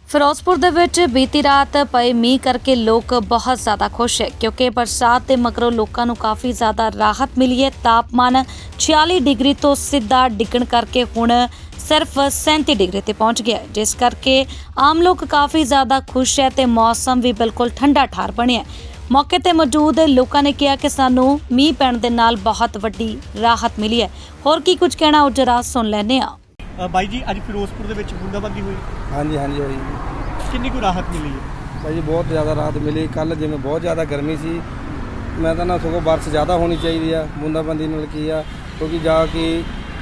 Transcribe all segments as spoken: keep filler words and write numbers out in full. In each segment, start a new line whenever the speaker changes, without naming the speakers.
ਫਿਰੋਜ਼ਪੁਰ ਦੇ ਵਿੱਚ ਬੀਤੀ ਰਾਤ ਪਏ ਮੀਂਹ ਕਰਕੇ ਲੋਕ ਬਹੁਤ ਜ਼ਿਆਦਾ ਖੁਸ਼ ਹੈ ਕਿਉਂਕਿ ਬਰਸਾਤ ਦੇ ਮਗਰੋਂ ਲੋਕਾਂ ਨੂੰ ਕਾਫੀ ਜ਼ਿਆਦਾ ਰਾਹਤ ਮਿਲੀ ਹੈ। ਤਾਪਮਾਨ छियालीस ਡਿਗਰੀ ਤੋਂ ਸਿੱਧਾ ਡਿੱਗਣ ਕਰਕੇ ਹੁਣ ਸਿਰਫ सैंतीस ਡਿਗਰੀ ਤੇ ਪਹੁੰਚ ਗਿਆ, ਜਿਸ ਕਰਕੇ ਆਮ ਲੋਕ ਕਾਫੀ ਜ਼ਿਆਦਾ ਖੁਸ਼ ਹੈ ਤੇ ਮੌਸਮ ਵੀ ਬਿਲਕੁਲ ਠੰਡਾ ਠਾਰ ਬਣਿਆ। मौके ते मौजूद लोगों ने कहा कि सानू मीह पैण दे नाल बहुत वड्डी राहत मिली है। होर की कुछ कहना ओ जरा सुन लैने आ।
बाई जी अज फिरोजपुर दे विच बूंदाबांदी हुई?
हाँ जी हाँ जी हुई।
कितनी को राहत मिली है?
भाई जी बहुत ज़्यादा राहत मिली। कल जिवें बहुत ज़्यादा गर्मी सी, मैं तो ना सगों बारिश ज़्यादा होनी चाहिए है बूंदाबांदी नाल की आ, क्योंकि जा कि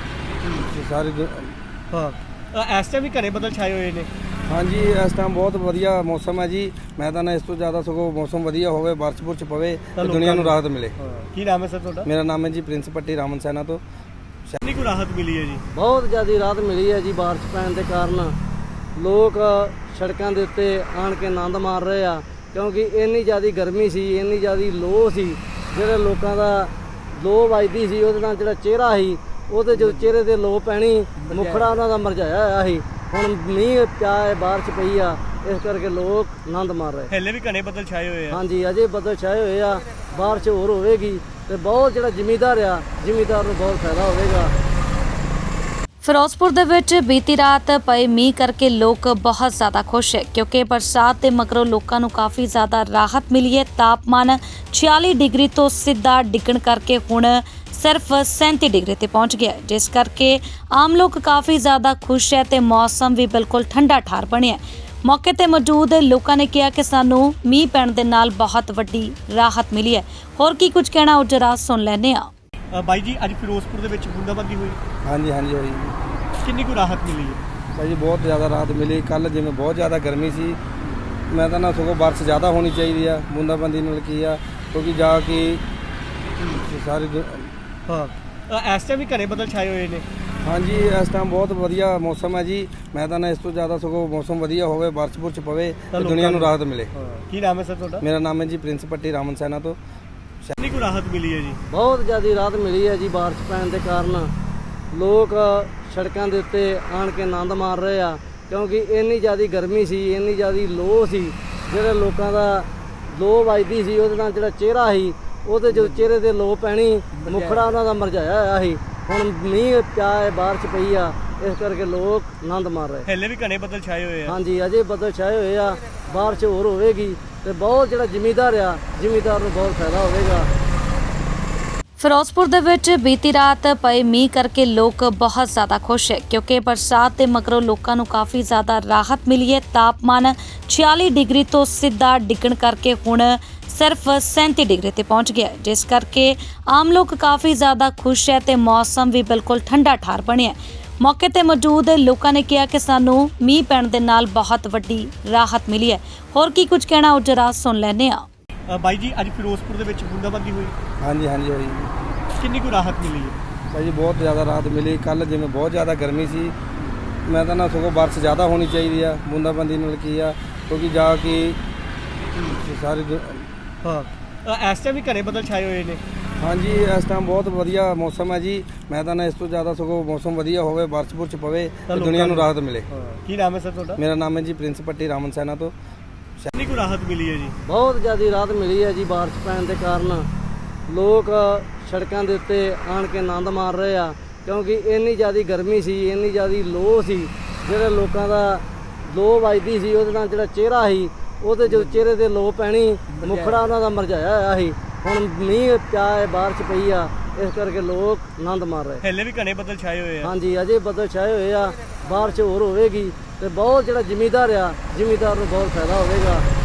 सारी
हाँ इस टाइम भी घने बदल छाए हुए ने।
हाँ जी इस टाइम बहुत वधिया मौसम है जी। मैं तो ना इस तो ज़्यादा सगों मौसम वधिया होवे, बारिश बुरिश पवे ते दुनिया नूं राहत मिले।
की नाम है सर तुहाडा?
मेरा नाम है जी प्रिंस पट्टी रामन सैना तो।
कितनी को राहत मिली है जी?
बहुत ज़्यादा राहत मिली है जी। बारिश पैण के कारण लोग सड़कों के उत्ते आन के आनंद मार रहे हैं, क्योंकि इन्नी ज़्यादा गर्मी सी, इन्नी ज़्यादा लो सी, जिहड़े लोगों का लो वजदी सी, उहदे नाल जिहड़ा चेहरा सी ਉਹਦੇ जो चेहरे ते लो पैनी, मुखड़ा उन्हां दा मुरझाया होया सी। हुण मींह पिया है, बारिश पई आ, इस करके लोग आनंद मार रहे।
हले भी घने बदल छाए हुए हैं?
हाँ जी अजे बदल छाए हुए आ, बारिश होर होवेगी ते बहुत जिहड़ा जिमीदार आ, जिमीदार नूं बहुत फायदा होवेगा।
ਫਿਰੋਜ਼ਪੁਰ ਦੇ ਵਿੱਚ ਬੀਤੀ ਰਾਤ ਪਏ ਮੀਂਹ ਕਰਕੇ ਲੋਕ ਬਹੁਤ ਜ਼ਿਆਦਾ ਖੁਸ਼ ਹੈ ਕਿਉਂਕਿ ਬਰਸਾਤ ਦੇ ਮਗਰੋਂ ਲੋਕਾਂ ਨੂੰ ਕਾਫੀ ਜ਼ਿਆਦਾ ਰਾਹਤ ਮਿਲੀ ਹੈ। ਤਾਪਮਾਨ छियालीस ਡਿਗਰੀ ਤੋਂ ਸਿੱਧਾ ਡਿੱਗਣ ਕਰਕੇ ਹੁਣ ਸਿਰਫ सैंतीस ਡਿਗਰੀ ਤੇ ਪਹੁੰਚ ਗਿਆ, ਜਿਸ ਕਰਕੇ ਆਮ ਲੋਕ ਕਾਫੀ ਜ਼ਿਆਦਾ ਖੁਸ਼ ਹੈ ਤੇ ਮੌਸਮ ਵੀ ਬਿਲਕੁਲ ਠੰਡਾ ਠਾਰ ਬਣਿਆ। ਮੌਕੇ ਤੇ ਮੌਜੂਦ ਲੋਕਾਂ ਨੇ ਕਿਹਾ ਕਿ ਸਾਨੂੰ ਮੀਂਹ ਪੈਣ ਦੇ ਨਾਲ ਬਹੁਤ ਵੱਡੀ ਰਾਹਤ ਮਿਲੀ ਹੈ। ਹੋਰ ਕੀ ਕੁਝ ਕਹਿਣਾ ਉਹ ਜਰਾ ਸੁਣ ਲੈਣੇ ਆ।
बाई जी अज फिरोजपुर दे विच बूंदाबांदी हुई?
हाँ जी हाँ जी हुई।
कितनी को राहत मिली है?
भाई जी बहुत ज़्यादा राहत मिली। कल जिवें बहुत ज़्यादा गर्मी सी, मैं तो ना सगों बारिश ज़्यादा होनी चाहिए है बूंदाबांदी नाल की आ, क्योंकि जा कि सारी
हाँ इस टाइम भी घने बदल छाए हुए ने।
हाँ जी इस टाइम बहुत वधिया मौसम है जी। मैं तो ना इस तो ज़्यादा सगों मौसम वधिया होवे, बारिश बुरिश पवे ते दुनिया नूं राहत मिले।
की नाम है सर तुहाडा?
मेरा नाम है जी प्रिंस पट्टी रामन सैना तो।
कितनी को राहत मिली है जी?
बहुत ज़्यादा राहत मिली है जी। बारिश पैण के कारण लोग सड़कों के उत्ते आन के आनंद मार रहे हैं, क्योंकि इन्नी ज़्यादा गर्मी सी, इन्नी ज़्यादा लो सी, जिहड़े लोगों का लो वजदी सी, उहदे नाल जिहड़ा चेहरा सी ਉਹਦੇ जो चेहरे ते लो पैनी, मुखड़ा उन्हां दा मुरझाया होया सी। हुण मींह पिया है, बारिश पई आ, इस करके लोग आनंद मार रहे।
हले भी घने बदल छाए हुए हैं?
हाँ जी अजे बदल छाए हुए आ, बारिश होर होवेगी ते बहुत जिहड़ा जिमीदार आ, जिमीदार नूं बहुत फायदा होवेगा।
ਫਿਰੋਜ਼ਪੁਰ ਦੇ ਵਿੱਚ ਬੀਤੀ ਰਾਤ ਪਏ ਮੀਂਹ ਕਰਕੇ ਲੋਕ ਬਹੁਤ ਜ਼ਿਆਦਾ ਖੁਸ਼ ਹੈ ਕਿਉਂਕਿ ਬਰਸਾਤ ਦੇ ਮਗਰੋਂ ਲੋਕਾਂ ਨੂੰ ਕਾਫੀ ਜ਼ਿਆਦਾ ਰਾਹਤ ਮਿਲੀ ਹੈ। ਤਾਪਮਾਨ छियालीस ਡਿਗਰੀ ਤੋਂ ਸਿੱਧਾ ਡਿੱਗਣ ਕਰਕੇ ਹੁਣ ਸਿਰਫ सैंतीस ਡਿਗਰੀ ਤੇ ਪਹੁੰਚ ਗਿਆ, ਜਿਸ ਕਰਕੇ ਆਮ ਲੋਕ ਕਾਫੀ ਜ਼ਿਆਦਾ ਖੁਸ਼ ਹੈ ਤੇ ਮੌਸਮ ਵੀ ਬਿਲਕੁਲ ਠੰਡਾ ਠਾਰ ਬਣਿਆ। ਮੌਕੇ ਤੇ ਮੌਜੂਦ ਲੋਕਾਂ ਨੇ ਕਿਹਾ ਕਿ ਸਾਨੂੰ ਮੀਂਹ ਪੈਣ ਦੇ ਨਾਲ ਬਹੁਤ ਵੱਡੀ ਰਾਹਤ ਮਿਲੀ ਹੈ। ਹੋਰ ਕੀ ਕੁਝ ਕਹਿਣਾ ਉਹ ਜਰਾ ਸੁਣ ਲੈਣੇ ਆ।
बाई जी अज फिरोजपुर दे विच बूंदाबांदी हुई?
हाँ जी हाँ जी हुई।
कितनी को राहत मिली है?
भाई जी बहुत ज़्यादा राहत मिली। कल जिवें बहुत ज़्यादा गर्मी सी, मैं तो ना सगों बारिश ज़्यादा होनी चाहिए है बूंदाबांदी नाल की आ, क्योंकि जा कि सारी
हाँ इस टाइम भी घने बदल छाए हुए ने।
हाँ जी इस टाइम बहुत वधिया मौसम है जी। मैं तो ना इस तो ज़्यादा सगों मौसम वधिया होवे, बारिश बुरिश पवे ते दुनिया नूं राहत मिले।
की नाम है सर तुहाडा?
मेरा नाम है जी प्रिंस पट्टी रामन सैना तो।
कितनी को राहत मिली है जी?
बहुत ज़्यादा राहत मिली है जी। बारिश पैण के कारण लोग सड़कों के उत्ते आन के आनंद मार रहे हैं, क्योंकि इन्नी ज़्यादा गर्मी सी, इन्नी ज़्यादा लो सी, जिहड़े लोगों का लो वजदी सी, उहदे नाल जिहड़ा चेहरा सी ਉਹਦੇ जो चेहरे ते लो पैनी, मुखड़ा उन्हां दा मुरझाया होया सी। हुण मींह पिया है, बारिश पई आ, इस करके लोग आनंद मार रहे।
हले भी घने बदल छाए हुए हैं?
हाँ जी अजे बदल छाए हुए आ, बारिश होर होवेगी ते बहुत जिहड़ा जिमीदार आ, जिमीदार नूं बहुत फायदा होवेगा।